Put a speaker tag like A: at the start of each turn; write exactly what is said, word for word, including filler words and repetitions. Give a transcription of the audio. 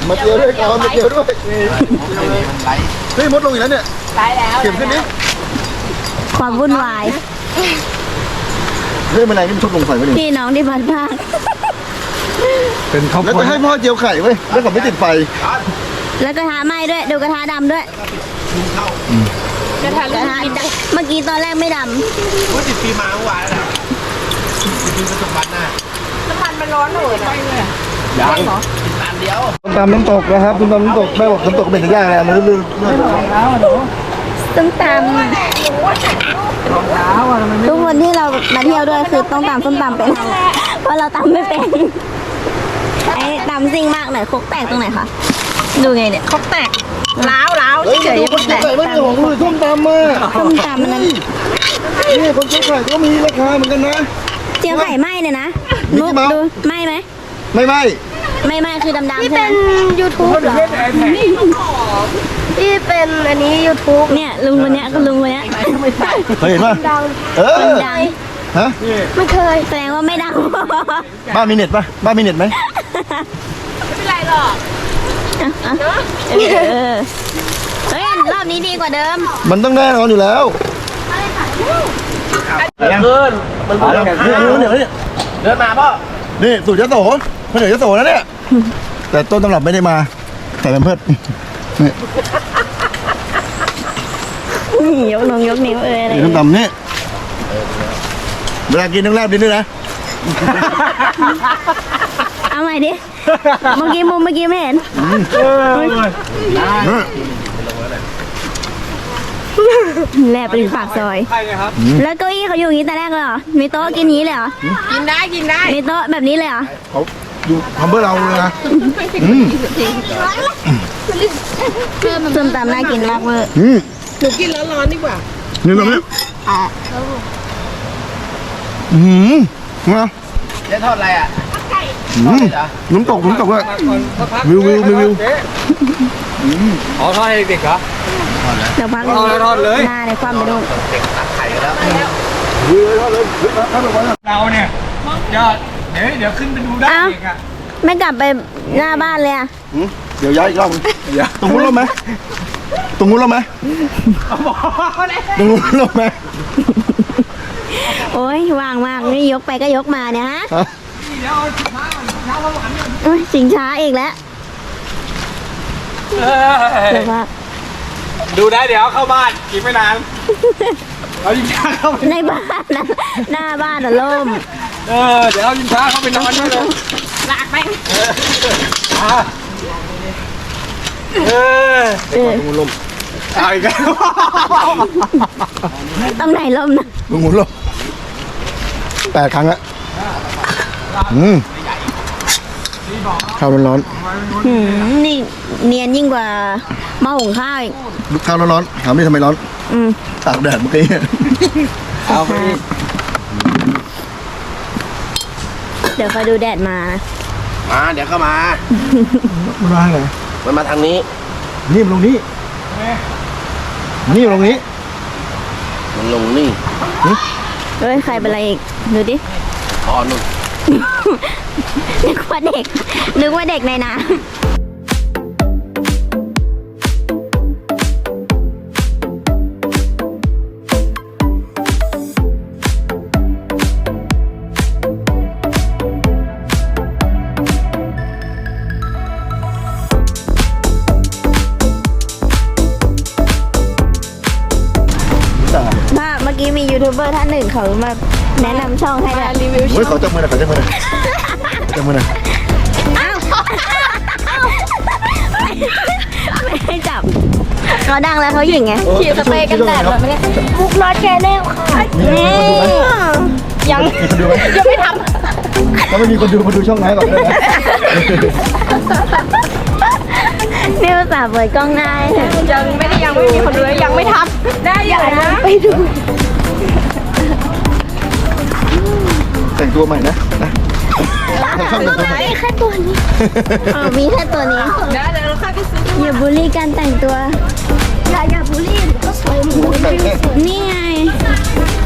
A: มาเจียวด้วยก่อนมาเจียวด้วยเฮ้ยมดลงอีกแล้วเนี่ยไล่แล้วเก็บขึ้นนี้
B: ความวุ่นวาย
A: เฮ้ยแมลงนี่มันชอบลงไฟวะนี่
B: พี่น้องที่พัดภาค
A: เป็นเขาแล้วจะให้พ่อเจียวไข่ไว้แล้วก็ไม่ติดไฟ
B: แล้วกระทะไหม้ด้วยดูกระทะดำด้วยกระทะกระทะเมื่อกี้ตอนแรกไม่ดำ
C: ว่าติดปีมาเมื่อวานแล้วติดปีประสบการณ์น่ะน้ำมันมันร้อนเลยนะยังเหรอติดตามเดียว
A: ตามน้ำตกนะครับตามน้ำตกแม่บอกน้ำตกเป็นยากเลยนะลื่น
B: ๆส้มตำทุกคนที่เรามาเที่ยวด้วยคือต้องตำส้มตำเป็นเพราะเราตำไม่เป็นไอ้ตำซิ่งมากหน่อยคกแตกตรงไหนคะดูไงเนี่ยคกแตกล้าวล้าวเฉยๆคกแตก
A: ไม่ใช่ของเลยส้มตำมา
B: ส้มตำมันนั้น
A: นี่คนเจียวไข่ก็มีราคาเหมือนกันนะ
B: เจียวไข่ไหมเนี่ยนะมุกดูไหมไหม
A: ไม่ไหม
B: ไม่ไหมคือดำๆ
D: ที่เป็น ยูทูบ เหรอที่เป็นอันนี้ ยูทูบ
B: เนี่ยลุงคนเนี้ยก็ลุงคนเนี้ย
A: เคยเห็นป่ะเออ
B: ดัง
A: ฮะ
D: ไม่เคย
B: แสดงว่าไม่ดัง
A: บ้านมีเน็ตป่ะบ้านมีเน็ตไหม
D: ไม่เป็นไรหรอก
B: เฮ้ยรอบนี้ดีกว่าเดิม
A: มันต้องแน่นอนอยู่แล้ว
C: เดินมันเดินเดินเดินมาพ่อ
A: นี่สูตรยโสคนเหนือยโสแล้วเนี่ยแต่ต้นตำรับไม่ได้มาใส่เป็นเพื่อน
B: นี่ยกนงยกนิ้วเอ้ยอะไร
A: น้ำตำนี่เวลากินต้องแลบดินด้วยนะ
B: เอาใหม่ดิเมื่อกี้มุมเมื่อกี้ไม่เห็นแลบไปถึงปากซอยแล้วเก้าอี้เขาอยู่อย่างนี้แต่แรกเลยเหรอมีโต๊ะกินนี้เลยเหรอ
D: กินได้กินได้
B: มีโต๊ะแบบนี้เลยเหรอ
A: เขาอยู่ทำเพื่อเราเลยนะ
B: ส้มตำน่ากินมากเวอร์
D: หนูกินแล้วร้อนดีกว่า
A: นี่แบบนี้อืมนะ
C: เจ๊ทอดอะไรอ่ะ
A: น้ำตกน้ำตกเลยวิววิววิว
C: อ๋อทอดให้เด็กเหรอ
B: เดี๋ยวพัก
C: ทอดเลย
B: หน้าในความไปดู
C: เด็กตักไข่กันแล้ว
A: ทอดเลยทอดเลย
C: เราเนี่ยยอดเดี๋ยวเดี๋ยวขึ้นไปดูได้เองอ่ะ
B: ไม่กลับไปหน้าบ้านเลยอ่ะ
A: เดี๋ยวย้ายอีกรอบตรงนู้นลงไหมตรงนู้นลงไหมตรงนู้นลงไหม
B: โอ้ยวางมากนี่ยกไปก็ยกมาเนี่ยฮะสิงช้าอีกแล้วเดี๋ยวว่า
C: ดูได้เดี๋ยวเข้าบ้านกินไม่นานเอายิงช้าเข้าไป
B: ในบ้านนะหน้าบ้านอ่ะล่ม
C: เออเดี๋ยวเอายิงช้าเข้าไปนอนด้วยเลย
D: ลากไป
C: เออเออลมเอาอีกแล้ว
B: ต้องไหนลมนะ
A: มึงหมุนลมแปดครั้งละอืมข้าวร้อน
B: ๆนี่เนียนยิ่งกว่าหม้อหุงข้าวอีก
A: ข้าวร้อนๆถามนี่ทำไมร้อนตากแดดเมื่อกี้
C: เอาไป
B: เดี๋ยวคอยดูแดดมา
C: มาเดี๋ยวเข้ามา
A: มันมาไหน
C: มันมาทางนี้
A: นี่มันลงนี้นี่ลงนี้
C: มันลงนี่
B: เฮ้ยใครเป็นอะไรอีกดูดิ
C: อ๋อนุ่น
B: นึกว่าเด็กนึกว่าเด็กในน้ำเมื่อกี้มียูทูบเบอร์ท่านหนึ่งเขามาแนะนำช่องให้รีวิวช่อง
A: เขาจับมือหน่อยเขาจับมือหน่อยจับมือหน่อย
B: อ้าวไม่ให้จับเขาดังแล้วเขาหยิ่งไง
D: ฉีดสเปรย์กันแดดแบบนี้มุกน้อยแกแน่ค่ะยังยังไม่ทำ
A: แล้วไม่มีคนดูมาดูช่องไหนก่อนเลยนะ
B: นี่ภาษาเปิดกล้องง่าย
D: ยังไม่ได้ยังไม่มีคนดูยังไม่ทำได้ยังนะไปดู
A: แต่งตัวใหม่นะนะ
D: ชอบแต่งตัวใหม่แค่ตัวนี้
B: อ๋อมีแค่ตัวนี้
D: ได้เดี๋ยวเราค่อยไปซื้อ
B: อย่าบูลลี่การแต่งตัว
D: อย่าอย่าบูลลี่ก็สวยเหมือน
B: นี่ไง